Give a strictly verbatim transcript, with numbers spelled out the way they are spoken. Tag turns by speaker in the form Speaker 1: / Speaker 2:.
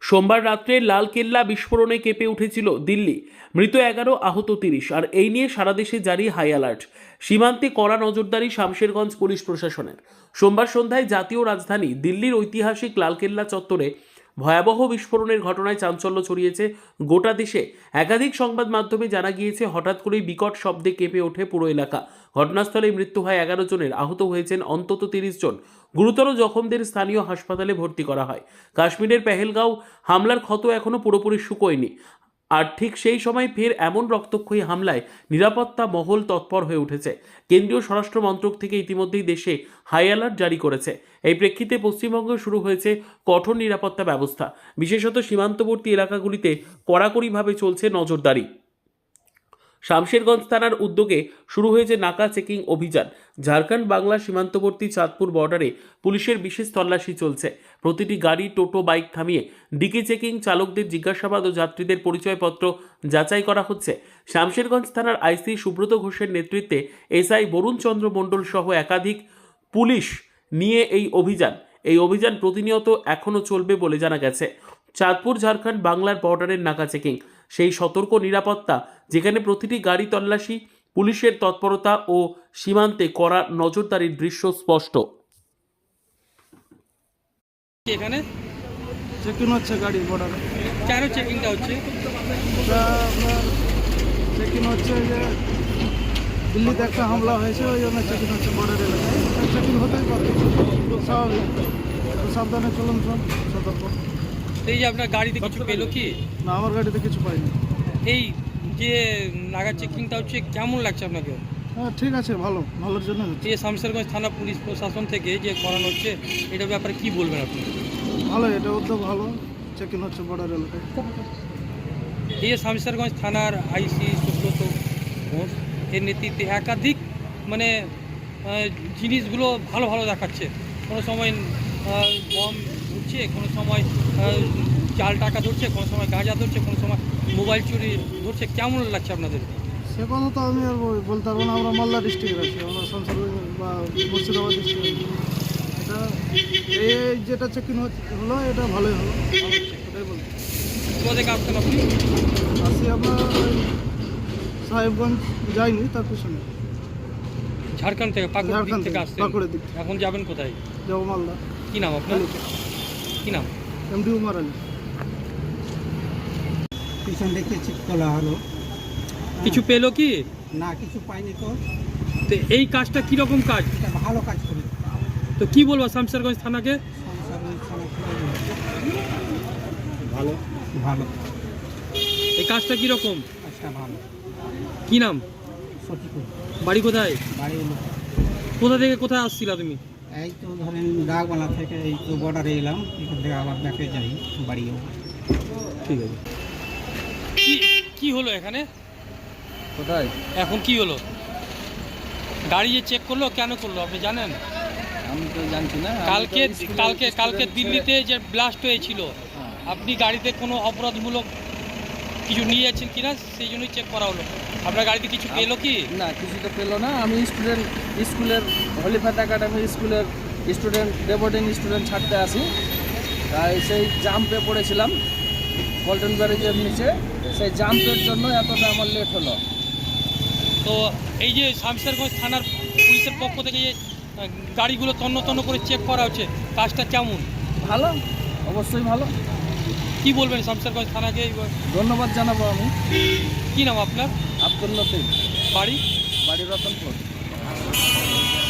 Speaker 1: সোমবার রাত্রে লালকেল্লা বিস্ফোরণে কেঁপে উঠেছিল দিল্লি। মৃত এগারো, আহত তিরিশ। আর এই নিয়ে সারা দেশে জারি হাই অ্যালার্ট। সীমান্তে কড়া নজরদারি শামশেরগঞ্জ পুলিশ প্রশাসনের। সোমবার সন্ধ্যায় জাতীয় রাজধানী দিল্লির ঐতিহাসিক লালকেল্লা চত্বরে ভয়াবহ বিস্ফোরণের ঘটনায় চাঞ্চল্য ছড়িয়েছে গোটা দেশে। একাধিক সংবাদ মাধ্যমে জানা গিয়েছে, হঠাৎ করেই বিকট শব্দে কেঁপে ওঠে পুরো এলাকা। ঘটনাস্থলে মৃত্যু হয় এগারো জনের, আহত হয়েছেন অন্তত তিরিশ জন। গুরুতর জখমদের স্থানীয় হাসপাতালে ভর্তি করা হয়। কাশ্মীরের পেহেলগাঁও হামলার ক্ষত এখনও পুরোপুরি শুকোয়নি। আর ঠিক সেই সময় ফের এমন রক্তক্ষয়ী হামলায় নিরাপত্তা মহল তৎপর হয়ে উঠেছে। কেন্দ্রীয় স্বরাষ্ট্র মন্ত্রক থেকে ইতিমধ্যেই দেশে হাই অ্যালার্ট জারি করেছে। এই প্রেক্ষিতে পশ্চিমবঙ্গে শুরু হয়েছে কঠোর নিরাপত্তা ব্যবস্থা। বিশেষত সীমান্তবর্তী এলাকাগুলিতে কড়াকড়িভাবে চলছে নজরদারি। শামশেরগঞ্জ থানার উদ্যোগে শুরু হয়েছে নাকা চেকিং অভিযান। ঝাড়খণ্ড বাংলা সীমান্তবর্তী চাঁদপুর বর্ডারে পুলিশের বিশেষ তল্লাশি চলছে। প্রতিটি গাড়ি, টোটো, বাইক থামিয়ে ডিকি চেকিং, চালকদের জিজ্ঞাসাবাদ ও যাত্রীদের পরিচয়পত্র যাচাই করা হচ্ছে। শামশেরগঞ্জ থানার আইসি সুব্রত ঘোষের নেতৃত্বে এসআই বরুণ চন্দ্র মণ্ডল সহ একাধিক পুলিশ নিয়ে এই অভিযান এই অভিযান প্রতিনিয়ত এখনও চলবে বলে জানা গেছে। চাঁদপুর ঝাড়খণ্ড বাংলার বর্ডারের নাকা চেকিং, সেই সতর্ক নিরাপত্তা যেখানে প্রতিটি গাড়ি তল্লাশি, পুলিশের তৎপরতা ও সীমান্তে কড়া নজরদারির দৃশ্য স্পষ্ট।
Speaker 2: এখানে
Speaker 3: চেকিং হচ্ছে গাড়ি বর্ডারে।
Speaker 2: কেন চেকিংটা হচ্ছে?
Speaker 3: ওটা আপনার চেকিং হচ্ছে যে দিল্লিতে একটা হামলা হয়েছে, ওই জন্য চেকিং হচ্ছে বর্ডার এলাকায়। চেকিং হতেই পারে, খুব স্বাভাবিক। একটু সাবধানে চলুন, সব সতর্ক।
Speaker 2: এই যে আপনার গাড়িতে কিছু পেলো কি?
Speaker 3: না, আমার গাড়িতে কিছু পাইনি।
Speaker 2: এই যে নাগা চেকিংটা হচ্ছে কেমন লাগছে আপনাকে?
Speaker 3: হ্যাঁ, ঠিক আছে, ভালো, ভালোর জন্য হচ্ছে।
Speaker 2: এই শামশেরগঞ্জ থানা পুলিশ প্রশাসন থেকে যে করানো হচ্ছে, এটার ব্যাপারে কি বলবেন আপনি?
Speaker 3: ভালো, এটা উদ্যোগ ভালো। চেকিং হচ্ছে বর্ডার এলাকায়।
Speaker 2: এই যে শামশেরগঞ্জ থানার আইসি সুব্রত ঘোষ এর নেতৃত্বে একাধিক মানে আহ, জিনিসগুলো ভালো ভালো দেখাচ্ছে। কোনো সময় আহ, বম ধরছে, কোনো সময় আহ, জাল টাকা ধরছে, কোনো সময় গাঁজা ধরছে, কোনো সময় মোবাইল চুরি ধরছে। কেমন লাগছে আপনাদের?
Speaker 3: সে কথা তো আমি আর বল- বলতে পারবো না। আমরা মালদা ডিস্ট্রিক্টের আছি, আমরা শামশেরগঞ্জ বা মুর্শিদাবাদ ডিস্ট্রিক্ট। এটা এই যেটা চেকিং হলো, এটা ভালোই হলো, ওটাই বলতে।
Speaker 2: কোথা থেকে আসছেন আপনি?
Speaker 3: আসি আপনার ওই সাহেবগঞ্জ, যাইনি, তার পিছনে
Speaker 2: ঝাড়খণ্ড থেকে, পাকুড় দিক
Speaker 3: ঝাড়খণ্ড
Speaker 2: থেকে
Speaker 3: থেকে,
Speaker 2: আসছেন।
Speaker 3: পাকুড়ের দিক।
Speaker 2: এখন যাবেন কোথায়?
Speaker 3: যাবো মালদা।
Speaker 2: কি নাম আপনার? কি নাম?
Speaker 3: এমডি উমার আলী।
Speaker 4: পিছন দেখতে চেক করা হলো,
Speaker 2: কিছু পেলো কি?
Speaker 4: না কিছু পাইনি। তো
Speaker 2: তো এই কাজটা কিরকম কাজ?
Speaker 4: এটা ভালো কাজ করে।
Speaker 2: তো কি বলবো শামশেরগঞ্জ থানাকে?
Speaker 4: ভালো ভালো
Speaker 2: এই কাজটা কিরকম?
Speaker 4: কাজটা ভালো।
Speaker 2: কি নাম?
Speaker 4: সঠিক
Speaker 2: বাড়ি কোথায়?
Speaker 4: বাড়ি এলো
Speaker 2: কোথা থেকে কোথায় আসছিলা তুমি?
Speaker 4: এই তো ধরেন ডাকবালা থেকে এই তো বর্ডারে এলাম, এখান থেকে আবার ব্যাকে যাই বাড়িও।
Speaker 2: ঠিক আছে। কি কি হলো এখানে?
Speaker 5: কোথায়?
Speaker 2: এখন কি হলো? গাড়ি যে চেক করলো, কেন করলো আপনি জানেন?
Speaker 5: আমি তো জানছি না।
Speaker 2: কালকে কালকে কালকে দিল্লিতে যে ব্লাস্ট হয়েছিল, আপনি গাড়িতে কোনো অপরাধমূলক কিছু নিয়েছেন কিনা সেই জন্যই চেক করা হলো। আপনার গাড়িতে কিছু পেলো কি?
Speaker 5: না, কিছু তো পেলো না। আমি স্টুডেন্ট, স্কুলের হলিফাত একাডেমি স্কুলের স্টুডেন্ট, ডেবোর্ডিং স্টুডেন্ট ছাড়তে আসি, তাই সেই জাম্পে পড়েছিলাম পল্টন ব্যারেজের নিচে। সেই জাম্পের জন্য এতটা আমার লেট হলো।
Speaker 2: তো এই যে শামশেরগঞ্জ থানার পুলিশের পক্ষ থেকে যে আহ, গাড়িগুলো তন্ন তন্ন করে চেক করা হচ্ছে, কাজটা কেমন?
Speaker 5: ভালো, অবশ্যই ভালো।
Speaker 2: কি বলবেন শামশেরগঞ্জ থানাকে?
Speaker 5: ধন্যবাদ জানাবো আমি।
Speaker 2: কি নাম আপনার?
Speaker 5: আব্দুল লতিফ,
Speaker 2: বাড়ি?
Speaker 5: বাড়ি রতনপুর।